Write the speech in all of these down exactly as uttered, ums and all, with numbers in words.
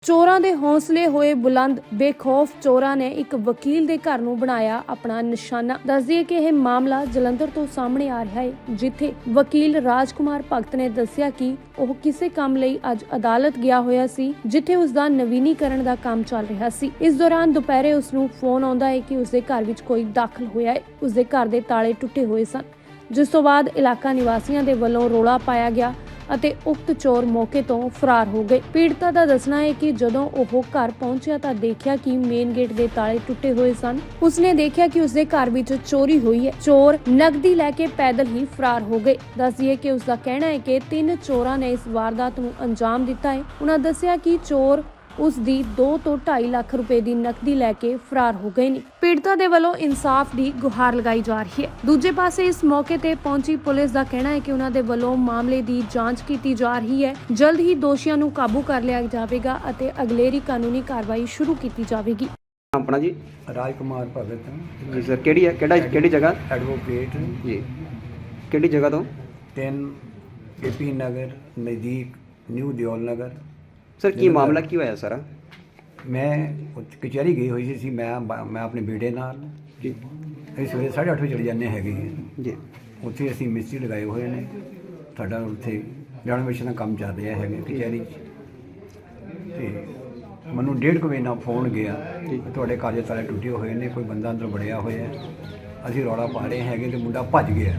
ਚੋਰਾਂ ਦੇ ਹੌਸਲੇ ਹੋਏ ਬੁਲੰਦ। ਬੇਖੌਫ ਚੋਰਾਂ ਨੇ ਇੱਕ ਵਕੀਲ ਦੇ ਘਰ ਨੂੰ ਬਣਾਇਆ ਆਪਣਾ ਨਿਸ਼ਾਨਾ। ਦੱਸ ਦਈਏ ਕਿ ਇਹ ਮਾਮਲਾ ਜਲੰਧਰ ਤੋਂ ਸਾਹਮਣੇ ਆ ਰਿਹਾ ਹੈ, ਜਿੱਥੇ ਵਕੀਲ ਰਾਜਕੁਮਾਰ ਭਗਤ ਨੇ ਦੱਸਿਆ ਕਿ ਉਹ ਕਿਸੇ ਕੰਮ ਲਈ ਅੱਜ ਅਦਾਲਤ ਗਿਆ ਹੋਇਆ ਸੀ, ਜਿੱਥੇ ਉਸ ਦਾ ਨਵੀਨੀਕਰਨ ਦਾ ਕੰਮ ਚੱਲ ਰਿਹਾ ਸੀ। ਇਸ ਦੌਰਾਨ ਦੁਪਹਿਰੇ ਉਸ ਨੂੰ ਫੋਨ ਆਉਂਦਾ ਹੈ ਕਿ ਉਸ ਦੇ ਘਰ ਵਿੱਚ ਕੋਈ ਦਾਖਲ ਹੋਇਆ ਹੈ। ਉਸ ਦੇ ਘਰ ਦੇ ਤਾਲੇ ਟੁੱਟੇ ਹੋਏ ਸਨ, ਜਿਸ ਤੋਂ ਬਾਅਦ ਇਲਾਕਾ ਨਿਵਾਸੀਆਂ ਦੇ ਵੱਲੋਂ ਰੌਲਾ ਪਾਇਆ ਗਿਆ ਅਤੇ ਉਕਤ ਚੋਰ ਮੌਕੇ ਤੋਂ ਫਰਾਰ ਹੋ ਗਏ। ਪੀੜਤਾ ਦਾ ਦੱਸਣਾ ਹੈ ਕਿ ਜਦੋਂ ਉਹ ਘਰ ਪਹੁੰਚਿਆ ਤਾਂ ਦੇਖਿਆ ਕਿ ਮੇਨ ਗੇਟ ਦੇ ਤਾਲੇ ਟੁੱਟੇ ਹੋਏ ਸਨ। ਉਸਨੇ ਦੇਖਿਆ ਕਿ ਉਸਦੇ ਘਰ ਵਿੱਚ ਚੋਰੀ ਹੋਈ ਹੈ। ਚੋਰ ਨਕਦੀ ਲੈ ਕੇ ਪੈਦਲ ਹੀ ਫਰਾਰ ਹੋ ਗਏ। ਦੱਸ ਦਈਏ ਕਿ ਉਸਦਾ ਕਹਿਣਾ ਹੈ ਕਿ ਤਿੰਨ ਚੋਰਾਂ ਨੇ ਇਸ ਵਾਰਦਾਤ ਨੂੰ ਅੰਜਾਮ ਦਿੱਤਾ ਹੈ। ਉਹਨਾਂ ਦੱਸਿਆ ਕਿ ਚੋਰ ਉਸ ਦੀ ਦੋ ਤੋਂ ਢਾਈ ਲੱਖ ਰੁਪਏ ਦੀ ਨਕਦੀ ਲੈ ਕੇ ਫਰਾਰ ਹੋ ਗਏ ਨੇ। ਪੀੜਤਾ ਦੇ ਵੱਲੋਂ ਇਨਸਾਫ ਦੀ ਗੁਹਾਰ ਲਗਾਈ ਜਾ ਰਹੀ ਹੈ। ਦੂਜੇ ਪਾਸੇ ਇਸ ਮੌਕੇ ਤੇ ਪਹੁੰਚੀ ਪੁਲਿਸ ਦਾ ਕਹਿਣਾ ਹੈ ਕਿ ਉਹਨਾਂ ਦੇ ਵੱਲੋਂ ਮਾਮਲੇ ਦੀ ਜਾਂਚ ਕੀਤੀ ਜਾ ਰਹੀ ਹੈ। ਜਲਦ ਹੀ ਦੋਸ਼ੀਆਂ ਨੂੰ ਕਾਬੂ ਕਰ ਲਿਆ ਜਾਵੇਗਾ ਅਤੇ ਅਗਲੇਰੀ ਕਾਨੂੰਨੀ ਕਾਰਵਾਈ ਸ਼ੁਰੂ ਕੀਤੀ ਜਾਵੇਗੀ। ਆਪਣਾ ਜੀ ਰਾਜਕੁਮਾਰ ਭਗਤ ਜੀ ਸਰ, ਕਿਹੜੀ ਹੈ ਕਿਹੜਾ ਕਿਹੜੀ ਜਗ੍ਹਾ ਐਡਵੋਕੇਟ ਜੀ ਕਿਹੜੀ ਜਗ੍ਹਾ ਤੋਂ? ਤਿੰਨ ਏਪੀ ਨਗਰ ਨਜ਼ਦੀਕ ਨਿਊ ਦਿਓਲ ਨਗਰ। ਸਰ ਕੀ ਮਾਮਲਾ ਕੀ ਹੋਇਆ ਸਾਰਾ? ਮੈਂ ਉੱਥੇ ਕਚਹਿਰੀ ਗਈ ਹੋਈ ਸੀ। ਮੈਂ ਮੈਂ ਆਪਣੇ ਬੇਟੇ ਨਾਲ ਜੀ ਅਸੀਂ ਸਵੇਰੇ ਸਾਢੇ ਅੱਠ ਵਜੇ ਚਲੇ ਜਾਂਦੇ ਹੈਗੇ ਜੀ। ਉੱਥੇ ਅਸੀਂ ਮਿਸਤਰੀ ਲਗਾਏ ਹੋਏ ਨੇ। ਸਾਡਾ ਉੱਥੇ ਰੈਨੋਵੇਸ਼ਨ ਦਾ ਕੰਮ ਚੱਲ ਰਿਹਾ ਹੈਗਾ ਕਚਹਿਰੀ 'ਚ। ਅਤੇ ਮੈਨੂੰ ਡੇਢ ਕੁ ਵਜੇ ਨਾਲ ਫੋਨ ਗਿਆ ਕਿ ਤੁਹਾਡੇ ਘਰ ਦੇ ਤਾਲੇ ਟੁੱਟੇ ਹੋਏ ਨੇ, ਕੋਈ ਬੰਦਾ ਅੰਦਰ ਵੜਿਆ ਹੋਇਆ। ਅਸੀਂ ਰੌਲਾ ਪਾ ਰਹੇ ਹੈਗੇ ਅਤੇ ਮੁੰਡਾ ਭੱਜ ਗਿਆ।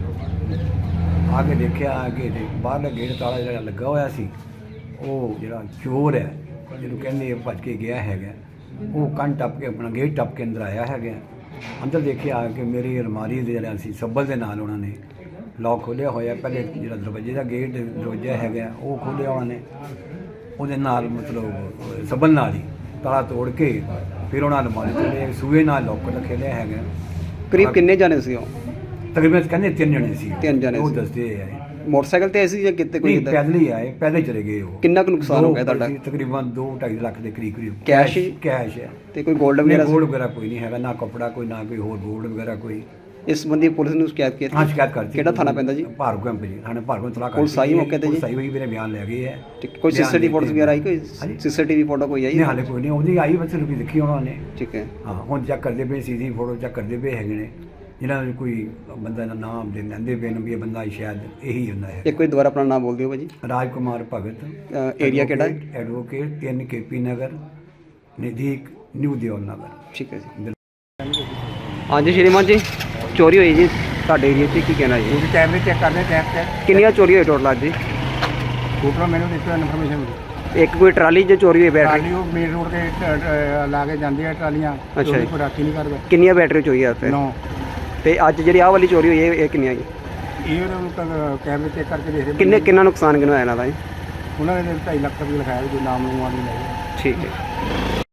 ਆ ਕੇ ਦੇਖਿਆ ਕਿ ਬਾਹਰਲਾ ਗੇਟ ਤਾਲਾ ਜਿਹੜਾ ਲੱਗਾ ਹੋਇਆ ਸੀ, ਉਹ ਜਿਹੜਾ ਚੋਰ ਹੈ ਜਿਹਨੂੰ ਕਹਿੰਦੇ ਭੱਜ ਕੇ ਗਿਆ ਹੈਗਾ, ਉਹ ਕੰਨ ਟੱਪ ਕੇ ਆਪਣਾ ਗੇਟ ਟੱਪ ਕੇ ਅੰਦਰ ਆਇਆ ਹੈਗਾ। ਅੰਦਰ ਦੇਖਿਆ ਕਿ ਮੇਰੀ ਅਲਮਾਰੀ ਦੇ ਜਿਹੜਾ ਸੀ ਸੱਬਲ ਦੇ ਨਾਲ ਉਹਨਾਂ ਨੇ ਲੌਕ ਖੋਲ੍ਹਿਆ ਹੋਇਆ। ਪਹਿਲੇ ਜਿਹੜਾ ਦਰਵਾਜ਼ੇ ਦਾ ਗੇਟ ਦਰਵਾਜ਼ਾ ਹੈਗਾ ਉਹ ਖੋਲ੍ਹਿਆ ਉਹਨਾਂ ਨੇ, ਉਹਦੇ ਨਾਲ ਮਤਲਬ ਸੱਬਲ ਨਾਲ ਹੀ ਤਾਲਾ ਤੋੜ ਕੇ ਫਿਰ ਉਹਨਾਂ ਅਲਮਾਰੀ ਤੇ ਸੂਏ ਨਾਲ ਲੌਕ ਰੱਖੇ ਲਿਆ ਹੈਗਾ। ਕਰੀਬ ਕਿੰਨੇ ਜਾਣੇ ਸੀ ਉਹ? ਤਕਰੀਬਨ ਕਹਿੰਦੇ ਤਿੰਨ ਜਣੇ ਸੀ। ਤਿੰਨ ਜਣੇ ਉਹ ਸੀ। ਦੱਸਦੇ ਆ ਮੋਟਰਸਾਈਕਲ ਤੇ ਆਏ ਸੀ ਜਾਂ ਕਿਤੇ ਕੋਈ? ਨਹੀਂ, ਪੈਦਲ ਹੀ ਆਏ, ਪੈਦਲ ਚਲੇ ਗਏ। ਉਹ ਕਿੰਨਾ ਕੁ ਨੁਕਸਾਨ ਹੋ ਗਿਆ ਤੁਹਾਡਾ? ਤਕਰੀਬਨ ਦੋ ਢਾਈ ਲੱਖ ਦੇ ਕਰੀਬ ਕਰੀਬ ਕੈਸ਼ ਹੀ? ਕੈਸ਼ ਹੈ। ਤੇ ਕੋਈ ਗੋਲਡ ਵਗੈਰਾ? ਗੋਲਡ ਵਗੈਰਾ ਕੋਈ ਨਹੀਂ ਹੈਗਾ, ਨਾ ਕੱਪੜਾ ਕੋਈ, ਨਾ ਕੋਈ ਹੋਰ ਗੋਲਡ ਵਗੈਰਾ ਕੋਈ। ਇਸ ਸੰਬੰਧੀ ਪੁਲਿਸ ਨੂੰ ਸ਼ਿਕਾਇਤ ਕੀਤੀ? ਹਾਂ, ਸ਼ਿਕਾਇਤ ਕਰਤੀ। ਕਿਹੜਾ ਥਾਣਾ ਪੈਂਦਾ ਜੀ? ਭਾਰਗੋ ਕੈਂਪ ਜੀ। ਥਾਣੇ ਭਾਰਗੋ ਤਲਾਕ ਕਰ ਪੁਲਿਸ ਆਈ ਮੌਕੇ ਤੇ ਜੀ? ਸਹੀ ਹੋਈ, ਮੇਰੇ ਬਿਆਨ ਲੈ ਗਏ ਹੈ। ਕੋਈ ਸੀਸੀਟੀਵੀ ਫੋਟੋ ਵਗੈਰਾ ਆਈ? ਕੋਈ ਸੀਸੀਟੀਵੀ ਫੋਟੋ ਕੋਈ ਆਈ? ਨਹੀਂ, ਹਾਲੇ ਕੋਈ ਨਹੀਂ। ਉਹਦੀ ਆਈ ਬੱਚੇ ਨੂੰ ਵੀ ਦੇਖੀ ਉਹਨਾਂ ਨੇ। ਠੀਕ ਹੈ। ਹਾਂ, ਹੁਣ ਚੈੱਕ ਕਰਦੇ ਪਏ, ਸੀਸੀ ਫੋਟੋ ਚੈੱਕ ਕਰਦੇ ਪਏ ਹੈਗੇ ਨੇ। ਜਿਹਨਾਂ ਨੂੰ ਕੋਈ ਬੰਦਾ ਦਾ ਨਾਮ ਦੇ ਲੈਂਦੇ ਪਏ ਨੇ ਵੀ ਇਹ ਬੰਦਾ ਸ਼ਾਇਦ ਇਹੀ ਹੁੰਦਾ ਹੈ। ਇੱਕ ਵਾਰੀ ਦੁਬਾਰਾ ਆਪਣਾ ਨਾਮ ਬੋਲ ਦਿਓ ਭਾਜੀ। ਰਾਜਕੁਮਾਰ ਭਗਤ, ਏਰੀਆ ਕਿਹੜਾ? ਐਡਵੋਕੇਟ, ਤਿੰਨ ਕੇਪੀ ਨਗਰ ਨਜ਼ਦੀਕ ਨਿਊ ਦਿਓਲ ਨਗਰ। ਠੀਕ ਹੈ ਜੀ। ਹਾਂਜੀ ਸ਼੍ਰੀਮਾਨ ਜੀ, ਚੋਰੀ ਹੋਈ ਜੀ ਤੁਹਾਡੇ ਏਰੀਆ 'ਚ, ਕੀ ਕਹਿਣਾ ਜੀ? ਤੁਸੀਂ ਕੈਮਰੇ ਚੈੱਕ ਕਰਦੇ ਟੈਪ ਤੇ ਕਿੰਨੀਆਂ ਚੋਰੀ ਹੋਈ ਟੋਟਲ ਅੱਜ ਜੀ? ਟੋਟਲ ਮੈਨੂੰ ਦਿੱਤੀ ਇਨਫੋਰਮੇਸ਼ਨ ਮਿਲੀ। ਇੱਕ ਕੋਈ ਟਰਾਲੀ 'ਚ ਚੋਰੀ ਹੋਈ ਬੈਟਰੀ? ਟਰਾਲੀ ਉਹ ਮੇਨ ਰੋਡ ਤੇ ਲਾ ਕੇ ਜਾਂਦੇ ਆ ਟਰਾਲੀਆਂ। ਅੱਛਾ ਜੀ। ਕੋਈ ਰਾਖੀ ਨਹੀਂ ਕਰਦਾ। ਕਿੰਨੀਆਂ ਬੈਟਰੀ ਚੋਰੀ ਆ ਉੱਥੇ? ਨੌ। ਤੇ ਅੱਜ ਜਿਹੜੀ ਆਹ ਵਾਲੀ ਚੋਰੀ ਹੋਈ ਇਹ ਇਹ ਕਿੰਨੀਆਂ ਜੀ? ਇਹ ਉਹਨਾਂ ਕੈਮਰੇ ਚੈੱਕ ਕਰਕੇ ਦੇਖਦੇ ਕਿੰਨੇ ਕਿੰਨਾ ਨੁਕਸਾਨ ਕਿੰਨਾ ਹੋਇਆ ਇਹਨਾਂ ਦਾ ਜੀ? ਉਹਨਾਂ ਨੇ ਢਾਈ ਲੱਖ ਰੁਪਏ ਲਿਖਾਇਆ, ਕੋਈ ਨਾਮ ਨੂੰ ਨਹੀਂ। ਠੀਕ ਹੈ।